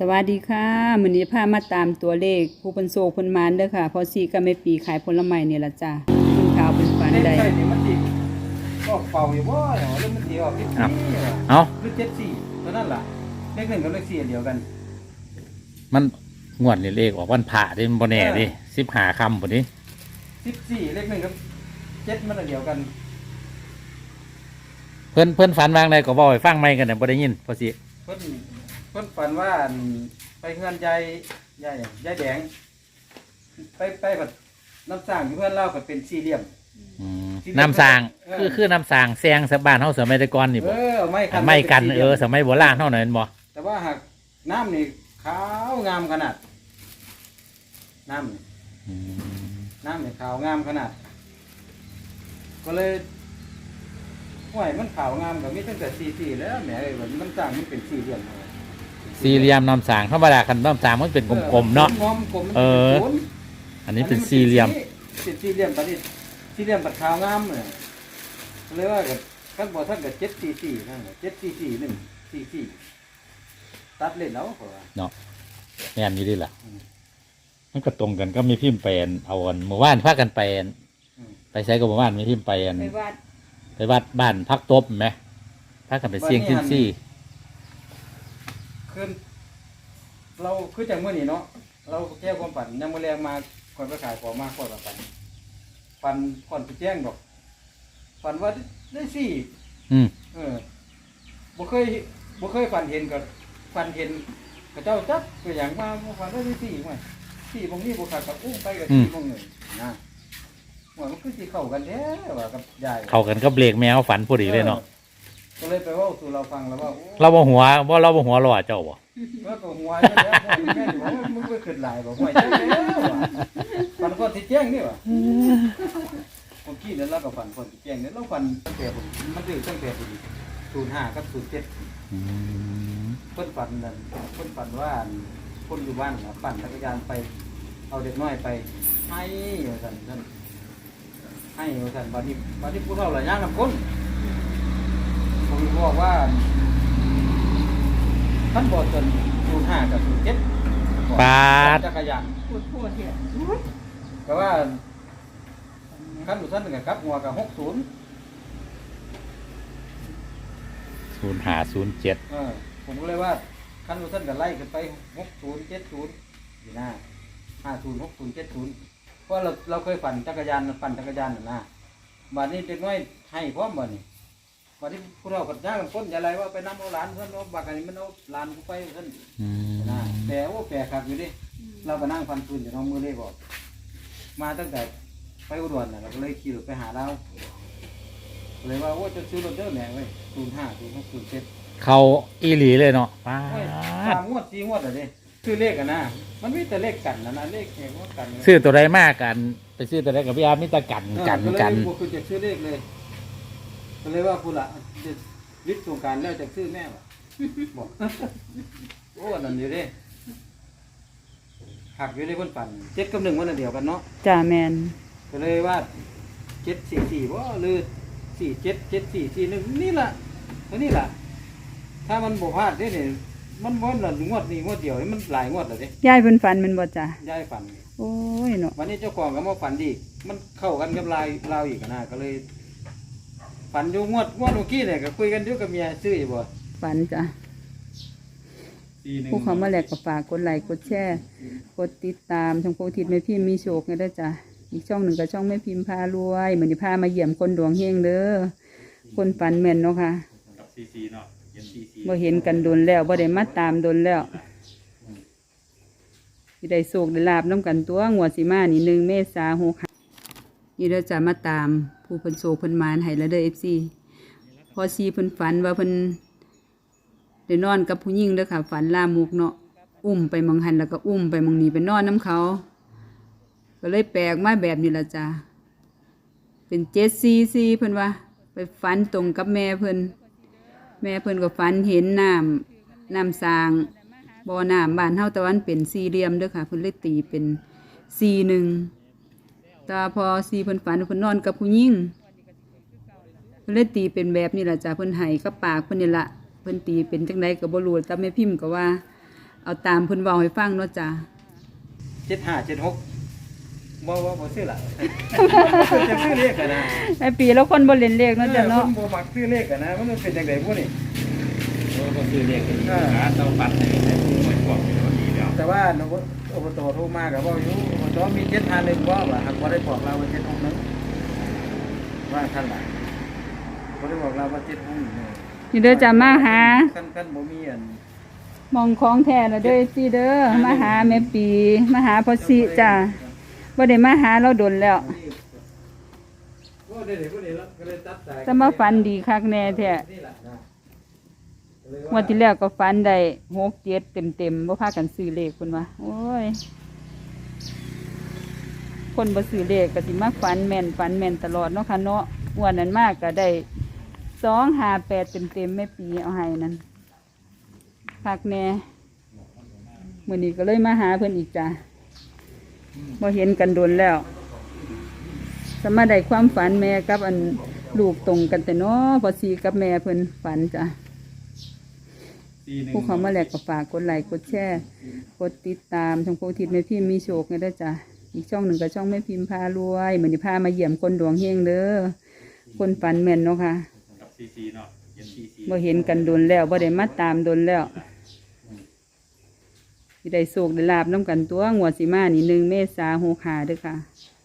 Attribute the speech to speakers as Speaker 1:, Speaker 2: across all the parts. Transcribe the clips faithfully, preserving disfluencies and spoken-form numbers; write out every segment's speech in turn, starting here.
Speaker 1: สวัสดีค่ะมื้อนี้พามาตามตัวเลขผู้เพิ่นโศกเพิ่นหมานเด้อค่ะพอซีก็ไม่ปีขายผลไม้นี่ล่ะจ้ะเพิ่นข่าวเพิ่นฝัน
Speaker 2: เลข
Speaker 1: ได้
Speaker 2: ใช่นี่มันสิก็เป่าอยู่บ่เนาะแล้วมันสิออกสิบสี่ว่ะ
Speaker 3: เอา
Speaker 2: หรือเจ็ดสี่เท่านั้นล่ะเลขหนึ่งกับเลขสี่อันเดียวกัน
Speaker 3: มันงวดนี่เลขออกวันผ่าดิมันบ่แน่ดิสิบหาคำปุ่นี้
Speaker 2: สิบสี่เลขหนึ่งกับเจ็ดมันอันเดียวกัน
Speaker 3: เพิ่นเพิ่นฝันวางใดก็บอกให้ฟังไม่กันเนี่ยบ่ได้ยินพอสิ
Speaker 2: เพิ่นเพิ่นฝันว่าอั่นไปเฮือนยายยายยายแดง ไปไปแบบน้ำสร้างอยู่เพื่อนเล่าก็เป็นสี่เหลี่ยม
Speaker 3: อืมน้ำสร้าง
Speaker 2: เออ
Speaker 3: คือคือน้ำสร้างแซงสบ้านเฮาสมัยแต่ก่อนนี่
Speaker 2: เอ
Speaker 3: บ่
Speaker 2: อไม่คัน
Speaker 3: ไม่กัน
Speaker 2: ป็สี่ห
Speaker 3: เอ
Speaker 2: ลี่ย
Speaker 3: อสมัยโบราณเฮานั่นบ่
Speaker 2: แต่ว่าหากน้ำนี่ขาวงามขนาด น้ำนี่
Speaker 3: อืม
Speaker 2: น้ำเนี่ยขาวงามขนาด ก็เลยห่วยมันขาวงามกับมีตั้งแต่สี่สี่แล้วแหมเอ้ยมันมันต่างมันเป็นสี่เหลี่ยมเอา
Speaker 3: สี่เหลี่ยมน้ำสร้างธรรมดาคันน้ำสร้างมันเป็นกลมๆเนาะ
Speaker 2: กลมๆกลมๆมัน
Speaker 3: เออ
Speaker 2: ป็นศูนย์
Speaker 3: อันนี้เป็นสี่เหลี่ยม
Speaker 2: เป็นสี่เหลี่ยมตอนนี้สี่เหลี่ยมปัดขาวงามเลยก็เลยว่ากับขั้นบอท่านกับเจ็ดสี่สี่นั่นแหละเจ็ดสี่สี่หนึ่งสี่สี่ตัดเล่นแล้วเหรอ
Speaker 3: เนาะแม่นอยู่ดิล่ะ
Speaker 2: อืม
Speaker 3: มันก็ตรงกันก็มีพิมพ์ไปอันเอาอันเมื่อวานพากันไปอัน
Speaker 2: อืม
Speaker 3: ไปใช้กับเมื่อวานมีพิมพ์ไปอัน
Speaker 1: ไปวัด
Speaker 3: ไปวัดบ้านพักตบไหมพากันไปเสี่ยงซิมซี่
Speaker 2: คือเราคือจังเมื่อนี้เนาะเราแก้ความฝันยังมาแรงมาคนไปขายของมาคนละฝันฝันก่อนไปแจ้งดอกฝันว่าได้สี่
Speaker 3: อืม
Speaker 2: เออบ่เคยบ่เคยฝันเห็นกับฝันเห็นกับเจ้าจับตัวอย่างมาบ่ฝันว่าได้สี่มั้ยสี่บางนี้บ่ขาดกับอุ้มไปกับสี่บางหนึ่งนะว่ามันคือสิเข้ากันแท้ว่ากับยาย
Speaker 3: เข้ากันก็เบรกแมวฝันพอดีเลยเนาะ
Speaker 2: ก็เลยไปเว้าสู่เราฟังแล้วว่าโอ้
Speaker 3: เราบ่หัวว่าเราบ่หัวรอเจ้าบ่
Speaker 2: ว่าก็หัวอยู่แล้วหัวอยู่แม่อยู่ว่ามึงไปขึ้นหลายบ่หัวจังแล้วว่ะฝันก่อนสิแจ้งนี่ว่ะเมื่อกี้นั้นเราก็ฝันก่อนสิแจ้งเนี่ยเราฝันตั้งแต่ผมมันถึงตั้งแต่ผมศูนย์ห้ากับศูนย์เจ็ด
Speaker 3: อืม
Speaker 2: เพิ่นฝันนั่นเพิ่นฝันว่าคนอยู่บ้านน่ะปั่นจักรยานไป เอาเด็กน้อยไป ให้ว่าซั่นซั่นให้ว่าซั่นบัดนี้บัดนี้ผู้เฒ่าหลายอย่างนำคนผมบอกว่าท่านบอกจนศูนย์ห้ากับศูนย์เจ็ด
Speaker 3: ปาด
Speaker 2: จักรยาน
Speaker 1: พูดพูดเถอะ
Speaker 2: แต่ว่าขั้นอยู่ท่านหนึ่งกับหัวกับหกศูนย์
Speaker 3: ศูนย์ห้าศูนย์เจ็ด
Speaker 2: เออผมก็เลยว่าขั้นอยู่ท่านกับไล่กันไปหกศูนย์เจ็ดศูนย์อยู่หน้าห้าศูนย์หกศูนย์เจ็ดศูนย์เพราะเราเราเคยปั่นจักรยานปั่นจักรยานน่ะนะบัดนี้เด็กน้อยให้พร้อมบ่นี่บัดนี้พวกเราก็ย่างกันพ้นอย่าไรว่าไปน้ำเอาหลานเพิ่นเอาบักอันนี้มันเอาหลานกูไปเพิ่น
Speaker 3: อืม
Speaker 2: นะแต่โอ้แปลกครับอยู่ดิเราก็นั่งฟันปืนอยู่น้องมือเลยบอกมาตั้งแต่ไปอุดรน่ะเราก็เลยขี่รถไปหาเราเลยว่าโอ้จะซื้อรถเด้อแหน่เว้ยศูนย์ห้าศูนย์หกศูนย์เจ็ด
Speaker 3: เขาอีหลีเลยเนาะปา
Speaker 2: โอ้ย
Speaker 3: ด
Speaker 2: สามงวดสี่งวดเลยดิซื้อเลขกันนะมันมีแต่เลขกันนะนะเลขแข่งว่ากัน
Speaker 3: ซื้อตัวใดมากกัน ไปซื้อตัวใดกับพี่อาร์มิตรกันกัน
Speaker 2: เออ
Speaker 3: กัน
Speaker 2: เลยคือจะซื้อเลขเลยก็เลยว่าคุณละจะวิทย์สงกรารแล้วจะซื้อแม่วะบอก โอ้นั่นอยู่ดิหักอยู่ในคนปั่นเจ็ดกับหนึ่งวันนนเดียวกันเนาะ
Speaker 1: จ้าแมน
Speaker 2: ก็เลยว่าเจ็ดสี่สี่ว่าหรือสี่เจ็ดเจ็ดสี่สี่หนึ่งนี่แหละตัวนี้แหละถ้ามันบวพลาดได้เนี่ยมันม้วนหล่นงวดนี้งวดเดียวนี่มันหลายงวดเลยดิ
Speaker 1: ยายเพิ่นฝันแมันบ่จ้ะ
Speaker 2: ย้ายฝัน
Speaker 1: โอ้ยเนาะ
Speaker 2: วันนี้เจ้าของก็มาฝันดีมันเข้ากันกับลายเราอีกนะก็เลย ฝันอยู่งวดงวดเมื่อกี้เนี่ยก็คุยกันอยู่กับเมียซื้ออยู่บ่
Speaker 1: ฝันจ้ะ
Speaker 2: สี่หนึ่ง
Speaker 1: ผู้เขามาแลกก็ฝากกดไลค์กดแชร์กดติดตามช่องโพธิ์ทิศแม่พิมพ์มีโชคไงเด้อจ้ะอีกช่องหนึ่งก็ช่องแม่พิมพ์พารวยเหมือนที่พามาเยี่ยมคนดวงเฮงเด้อคนฝันแม่นเนาะค่ะบ่เห็นกันโดนแล้วบ่ได้มาตามโดนแล้วสิได้โชคได้ลาบน้ำกันตัวงวดสิมานี่หนึ่งเมษาหกนี่เด้อจ้ะมาตามผู้เพิ่นโชคเพิ่นมานให้แล้วเด้อ เอฟ ซี พอซีเพิ่นฝันว่าเพิ่นได้นอนกับผู้หญิงเด้อค่ะฝันลามกเนาะอุ้มไปหมองหันแล้วก็อุ้มไปหมองนี้ไปนอนน้ำเขา ก็เลยแปลกมาแบบนี้ละจ้ะเป็นเจ็ดซีซีเพิ่นว่าไปฝันตรงกับแม่เพิ่นแม่เพิ่นก็ฝันเห็นน้ำน้ำสร้างบ่อน้ำบ้านเฮาแต่วันเป็นสี่เหลี่ยมเด้อค่ะเพิ่นเลยตีเป็นสี่หนึ่งแต่พอซีเพิ่นฝันเพิ่นนอนกับผู้หญิงเพิ่นเลยตีเป็นแบบนี้ล่ะจ้ะเพิ่นให้กับปากเพิ่นนี่ล่ะเพิ่นตีเป็นจังไดก็บ่รู้แต่แม่พิมพ์ก็ว่าเอาตามเพิ่นเว้าให้ฟังเนาะจ้ะ
Speaker 2: เจ็ดห้าเจ็ดหกบ่บ่บ่ซื้อละ จะซื้อเลขกันนะ
Speaker 1: แม่ปีแล้วคนบ่เล่นเลขเนาะจ้ะเนาะ
Speaker 2: บ่มักซื้อเลขกันนะมันเป็นจังได๋พวกนี้
Speaker 3: โอ้ก็คือเลขหาเตาปัดให้ให้ผู้หน่วยกว่ามันดีแล้ว
Speaker 2: แต่ว่าอบตโทรมาก็บ่อยู่อบตมีเจ็ดห้าหนึ่งบ่ว่าหากบ่ได้บอกเราว่าเจ็ดหกหนึ่งว่าท่านล่ะบ่ได้บอกเราว่าเจ็ดหกหนึ่ง
Speaker 1: นี่เด้อจ้ะมาหา
Speaker 2: คันคันบ่มีอัน
Speaker 1: มองของแท้แล้วเด้อสิเด้อมาหาแม่ปีมาหาพ่อสิจ้ะบ่ได้มาหาเราดนแล้ว
Speaker 2: บ่ได้บ่ได้แล้วก็เลยตัดสาย
Speaker 1: จะมาฝันดีคักแน่แท้
Speaker 2: นี่ล่ะนะ
Speaker 1: งวันที่แล้วก็ฝันได้หกเจ็ดเต็มๆบ่พากันซื้อเลขเพิ่นว่าโอ้ยคนบ่ซื้อเลขก็สิมาฝันแม่นฝันแม่นตลอดเนาะค่ะเนาะงวดนั้นมากก็ได้สองห้าแปดเต็มๆแม่ปีเอาให้นั่นคักแน่มื้อนี้ก็เลยมาหาเพิ่นอีกจ้ะบ่เห็นกันโดนแล้วสมาได้ความฝันแม่กับอันลูกตรงกันแต่เนาะพอสีกับแม่เพิ่นฝันจ้ะผู้เขามาแหลกก็ฝากกดไลค์กดแชร์กดติดตามช่องโพธิตแม่พิมพ์มีโชคไงเด้อจ้ะอีกช่องหนึ่งก็ช่องแม่พิมพ์พารวยเหมือนที่พามาเยี่ยมคนดวงเฮงเด้อคนฝันแม่นเนาะค่ะ
Speaker 3: กับซีซีเนาะเห็นซีซี
Speaker 1: บ่เห็นกันโดนแล้วบ่ได้มาตามโดนแล้วสิได้โชคได้ลาบน้ำกันตัวงวดสิมานี่หนึ่งเมษาหกห้าเด้อค่ะ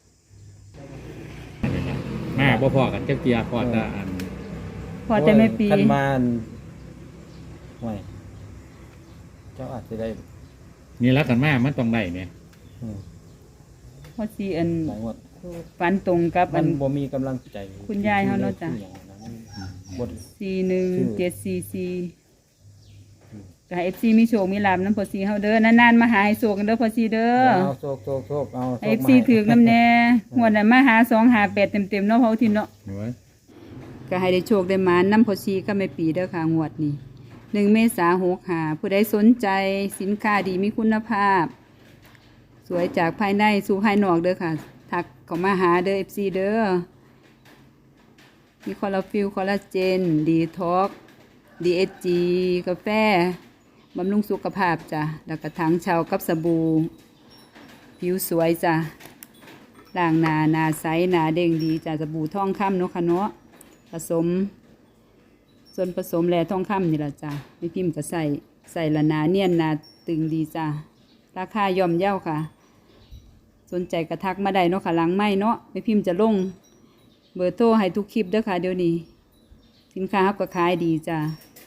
Speaker 3: มาบ่พอกันจักเกียร์พอแต่อัน
Speaker 1: พอแต่แม่ปี
Speaker 2: คันมาอันห่วยเจ้าอาจจะได้
Speaker 3: นี่ละกันมามันต้องได้แม่
Speaker 2: อืม
Speaker 1: พอสีอัน
Speaker 2: หลายงวด
Speaker 1: ฝันตรงกับ
Speaker 2: มั
Speaker 1: อั
Speaker 2: น
Speaker 1: น
Speaker 2: บ่มีกำลังใจ
Speaker 1: คุณยายเขาเนาะจ้ะ
Speaker 2: ที่อย่างนั้นมันบ่ได้
Speaker 1: สี่หนึ่งเจ็ดสี่สี่ก็ให้เอฟซีมีโชคมีลาบน้ำพอซีเฮาเด้อนานๆมาหาให้โชคกันเด้อพอซีเด้อ
Speaker 2: เอาโชคโชคโชคเอา
Speaker 1: เอฟซีถือกน้ำแน่งวดนั้นมาหาสองหาแปดเต็มๆเนาะเพราะที่เนาะ
Speaker 3: เห็นไหม
Speaker 1: ก็ให้ได้โชคได้หมาน้ำพอซีก็ไม่ปีเด้อค่ะงวดนี้หนึ่งเมษาหกหาผู้ใดสนใจสินค้าดีมีคุณภาพ สวยจากภายในสู่ภายนอกเด้อค่ะทักเข้ามาหาเด้อเอฟซีเด้อมีคอลลาฟิลคอลลาเจนดีท็อกดีเอสจีกาแฟบำรุงสุขภาพจ้ะแล้วก็ถังเชากับสบู่ผิวสวยจ้ะล้างหน้าหน้าใสหน้าเด้งดีจ้ะสบู่ทองคำเนาะค่ะเนาะผสม ส่วนผสมแร่ทองคำนี่ละจ้ะไม่พิมพ์ก็ใส่ใส่ละหนาเนียนหนาตึงดีจ้ะราคาย่อมเย่าค่ะ สนใจกระทักมาได้เนาะค่ะหลังไม่เนาะไม่พิมพ์จะลงเบอร์โทรให้ทุกคลิปเด้อค่ะเดี๋ยวนี้สินค้าเขาก็ขายดีจ้ะ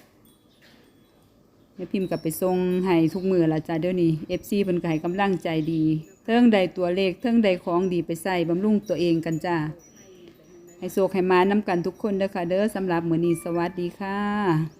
Speaker 1: ไม่พิมพ์กับไปส่งให้ทุกมือละจ้ะเดี๋ยวนี้เอฟซีเพิ่นก็ให้กำลังใจดีเทิงใดตัวเลขเทิงใดของดีไปใส่บำรุงตัวเองกันจ้ะให้โชคให้มาน้ำกันทุกคนเด้อค่ะเด้อสำหรับมื้อนี้สวัสดีค่ะ